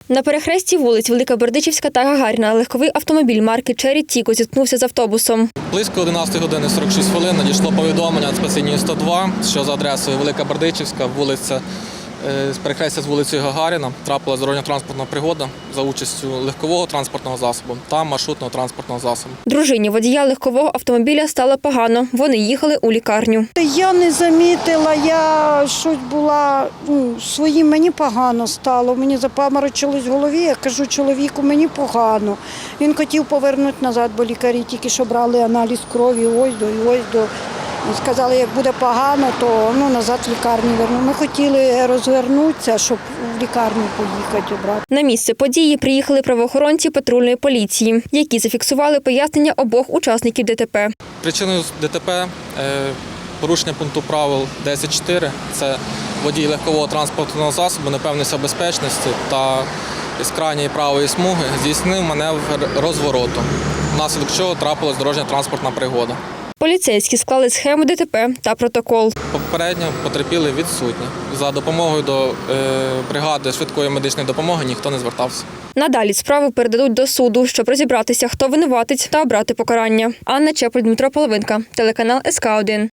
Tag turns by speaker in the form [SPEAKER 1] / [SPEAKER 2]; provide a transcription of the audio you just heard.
[SPEAKER 1] На перехресті вулиць Велика Бердичівська та Гагаріна легковий автомобіль марки «Черрі Тіко» зіткнувся з автобусом.
[SPEAKER 2] Близько 11 години 46 хвилин надійшло повідомлення від спецлінії 102, що за адресою Велика Бердичівська, вулиця з перехрестя з вулицею Гагаріна трапилася дорожньо-транспортна пригода за участю легкового транспортного засобу та маршрутного транспортного засобу.
[SPEAKER 1] Дружині водія легкового автомобіля стало погано. Вони їхали у лікарню.
[SPEAKER 3] Я не замітила, я щось була своїм, мені погано стало. Мені запаморочилось в голові, я кажу чоловіку, мені погано. Він хотів повернути назад, бо лікарі тільки що брали аналіз крові, ось до. Сказали, як буде погано, то назад в лікарню верну. Ми хотіли розвернутися, щоб в лікарню поїхати обрати.
[SPEAKER 1] На місце події приїхали правоохоронці патрульної поліції, які зафіксували пояснення обох учасників ДТП.
[SPEAKER 2] Причиною ДТП порушення пункту правил 10.4 – це водій легкового транспортного засобу непевності безпечності та з крайньої правої смуги здійснив маневр розвороту, внаслідок чого трапилась дорожньо-транспортна пригода.
[SPEAKER 1] Поліцейські склали схему ДТП та протокол.
[SPEAKER 2] Попередньо потерпіли відсутні. За допомогою до бригади швидкої медичної допомоги ніхто не звертався.
[SPEAKER 1] Надалі справу передадуть до суду, щоб розібратися, хто винуватець та обрати покарання. Анна Чепль, Дмитро Половинка, телеканал СК1.